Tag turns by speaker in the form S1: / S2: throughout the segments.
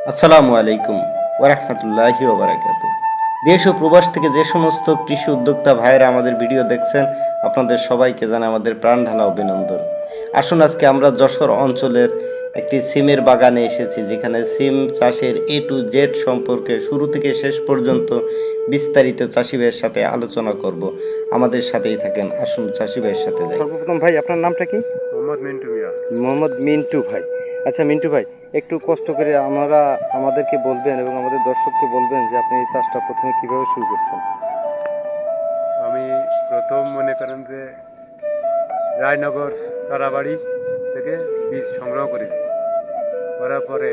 S1: আসসালামু আলাইকুম ওরহমতুল্লাহি ওবরাকাতু। দেশ ও প্রবাস থেকে যে সমস্ত কৃষি উদ্যোক্তা ভাইয়েরা আমাদের ভিডিও দেখছেন, আপনাদের সবাইকে জানাই আমাদের প্রাণ ঢালা অভিনন্দন। আসুন আজকে আমরা যশোর অঞ্চলের একটি সিমের বাগানে এসেছি, যেখানে সিম চাষের এ টু জেড সম্পর্কে শুরু থেকে শেষ পর্যন্ত বিস্তারিত চাষি ভাইয়ের সাথে আলোচনা করব। আমাদের সাথেই থাকেন, আসুন চাষি ভাইয়ের সাথে যাই। সর্বপ্রথম ভাই, আপনার নামটা কি?
S2: মোহাম্মদ মিন্টু মিয়া।
S1: মোহাম্মদ মিন্টু ভাই। আচ্ছা মিন্টু ভাই, একটু কষ্ট করে আমাদেরকে বলবেন এবং আমাদের দর্শককে বলবেন যে আপনি এই চাষটা প্রথমে কিভাবে শুরু করছেন।
S2: আমি প্রথম মনে করেন যে রায়নগর সারাবাড়ি থেকে বীজ সংগ্রহ করেছি। করার পরে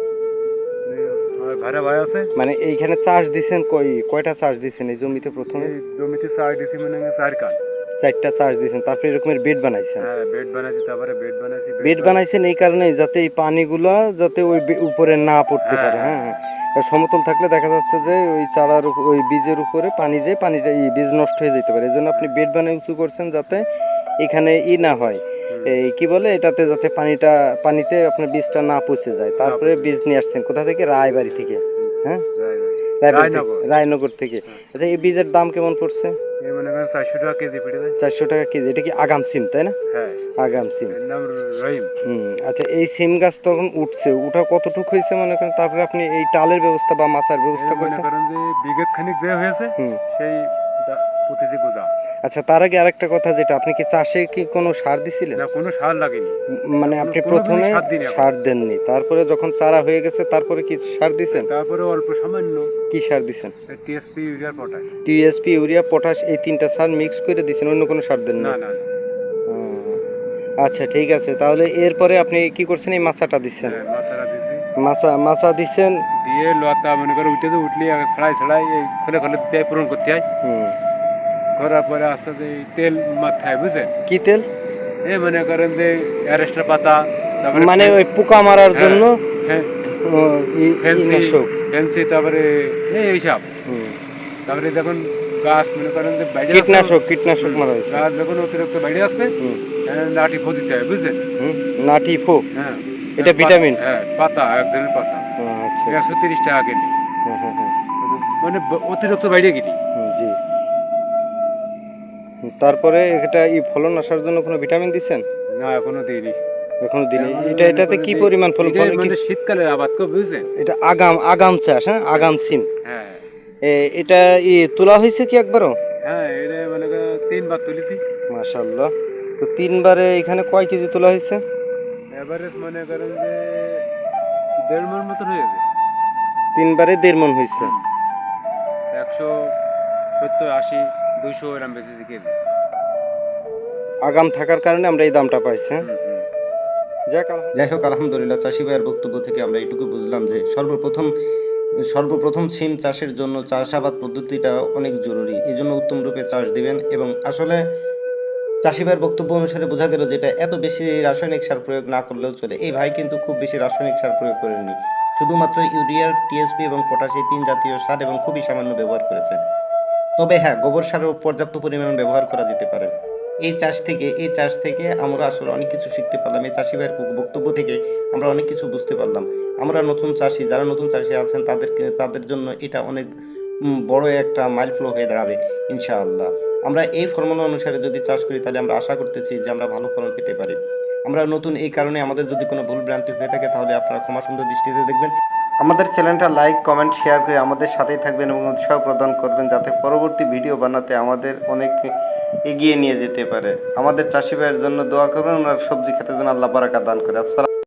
S2: আমার ভাড়া ভাই আছে,
S1: মানে এইখানে চাষ দিছেন কয়টা চাষ দিছেন এই জমিতে? প্রথমে
S2: এই জমিতে চাষ দিছি মনে হয় 4 কান।
S1: 4টা চাষ দিছেন, তারপরে এরকমের বেড বানাইছেন।
S2: হ্যাঁ, বেড বানাইছি, তারপরে বেড বানাইছি।
S1: বেড বানাইছেন এই কারণে যাতে এই পানিগুলো যাতে ওই উপরে না পড়তে পারে। হ্যাঁ হ্যাঁ, আর সমতল থাকলে দেখা যাচ্ছে যে ওই চারার ওই বীজের উপরে পানি যায়, পানিটা এই বীজ নষ্ট হয়ে যেতে পারে। এই জন্য আপনি বেড বানিয়ে উঁচু করছেন যাতে এখানে না হয়, এই কি বলে এটাতে, যাতে পানিতে আপনার বীজটা না পচে যায়। তারপরে বীজ নিয়ে আসছেন কোথা থেকে? রায়বাড়ি থেকে। হ্যাঁ, রায়নগর থেকে। আচ্ছা, এই বীজের দাম কেমন পড়ছে?
S2: এই মনে করেন 400 টাকা কেজি পড়ে যায়।
S1: 400 টাকা কেজি। এটা কি আগাম সিম, তাই না?
S2: হ্যাঁ,
S1: আগাম সিম।
S2: এর নাম রহিম।
S1: আচ্ছা, এই সিম গাছ তখন উঠছে, ওটা কতটুকু হয়েছে মনে করেন? তারপরে আপনি এই টালের ব্যবস্থা বা মাচার ব্যবস্থা
S2: মনে
S1: করেছেন?
S2: করেন যে বিঘত খানিক যে হয়েছে সেই পুঁতেছি গোজা।
S1: আচ্ছা, তার আগে আরেকটা কথা, যেটা আপনি কি চাষে কি কোনো সার দিছিলেন?
S2: না, কোনো সার লাগেনি।
S1: মানে আপনি
S2: কোনো
S1: প্রথমে
S2: সার দিইনি।
S1: সার দেননি, তারপরে যখন চারা হয়ে গেছে তারপরে কি সার দিছেন?
S2: তারপরে অল্প সামান্য
S1: কি সার দিছেন?
S2: TSP, urea, potash.
S1: TSP, urea, potash, এই 3টা সার মিক্স করে দিছেন, অন্য কোনো সার দেননি?
S2: না না না।
S1: আচ্ছা ঠিক আছে, তাহলে এরপরে আপনি কি করছেন? এই মাচাটা দিচ্ছেন?
S2: হ্যাঁ, মাছারা দিছি।
S1: মাচা দিচ্ছেন
S2: দিয়ে লতা মনে করে উঠলি ছড়াই ছড়াই এই খোলে খোলে দিতে হয়, পূরণ করতে হয়। করার পরে আস্তে আস্তে এই তেল মাথায়, বুঝছেন?
S1: কি তেল?
S2: এই মনে করেন যে অ্যারেস্টার পাতা, তারপরে
S1: মানে ওই পোকা মারার জন্য?
S2: হ্যাঁ, ফেন্সি, তারপরে এইসব। তারপরে যখন গাছ মনে করেন যে বাইরে
S1: কীটনাশক মারা হয়েছে।
S2: গাছ যখন অতিরিক্ত বাইরে আসছে, লাঠি ফো দিতে হয়, বুঝছেন?
S1: লাঠি ফো?
S2: হ্যাঁ,
S1: এটা ভিটামিন?
S2: হ্যাঁ, পাতা, এক ধরনের পাতা।
S1: আচ্ছা,
S2: 130 টাকা কেজি। মানে অতিরিক্ত বাইরে কিনি।
S1: জি। তারপরে এটা ফলন আসার জন্য কোনো ভিটামিন দিচ্ছেন?
S2: না, এখনো দিইনি।
S1: এখনো দিনে? এটাতে কি পরিমাণ ফলন?
S2: মানে শীতকালের আবাদ কো, বুঝছেন?
S1: এটা আগাম চাষ। হ্যাঁ, আগাম সিম।
S2: হ্যাঁ,
S1: এটা তোলা হয়েছে কি একবারও?
S2: হ্যাঁ, এটা মানে 3 বার তুলেছি।
S1: মাশাআল্লাহ। তো 3বারে এখানে কয় কেজি তোলা হয়েছে?
S2: এভারেজ মনে করেন যে 1.5 মণ মতন হয়েছে।
S1: 3বারে 1.5 মণ হয়েছে।
S2: 170, 80, 200 এরম বেশি কেজি।
S1: আগাম থাকার কারণে আমরা এই দামটা পাইছি। হ্যাঁ, যাই হোক, আলহামদুলিল্লাহ। চাষি ভাইয়ের বক্তব্য থেকে আমরা এইটুকু বুঝলাম যে সর্বপ্রথম সিম চাষের জন্য চাষাবাদ পদ্ধতিটা অনেক জরুরি। এই জন্য উত্তম রূপে চাষ দিবেন। এবং আসলে চাষি ভাইয়ের বক্তব্য অনুসারে বোঝা গেল যেটা এত বেশি রাসায়নিক সার প্রয়োগ না করলেও চলে। এই ভাই কিন্তু খুব বেশি রাসায়নিক সার প্রয়োগ করেননি, শুধুমাত্র ইউরিয়া, টিএসপি এবং পটাশ, এই 3 জাতীয় সার এবং খুবই সামান্য ব্যবহার করেছেন। তবে হ্যাঁ, গোবর সারও পর্যাপ্ত পরিমাণ ব্যবহার করা যেতে পারে। এই চাষ থেকে আমরা আসলে অনেক কিছু শিখতে পারলাম। এই চাষি ভাইয়ের বক্তব্য থেকে আমরা অনেক কিছু বুঝতে পারলাম। আমরা যারা নতুন চাষি আছেন তাদের জন্য এটা অনেক বড় একটা মাইলফ্লো হয়ে দাঁড়াবে ইনশাআল্লাহ। আমরা এই ফর্মুলা অনুসারে যদি চাষ করি তাহলে আমরা আশা করতেছি যে আমরা ভালো ফলন পেতে পারি। আমরা নতুন, এই কারণে আমাদের যদি কোনো ভুল ভ্রান্তি হয়ে থাকে তাহলে আপনারা ক্ষমা সুন্দর দৃষ্টিতে দেখবেন। আমাদের চ্যানেলটা লাইক, কমেন্ট, শেয়ার করে আমাদের সাথেই থাকবেন এবং উৎসাহ প্রদান করবেন, যাতে পরবর্তী ভিডিও বানাতে আমাদের অনেক এগিয়ে নিয়ে যেতে পারে। আমাদের চাষি ভাইয়ের জন্য দোয়া করবেন, ওনার সবজি খেতে যেন আল্লাহ বারাকা দান করে। আসসালাম।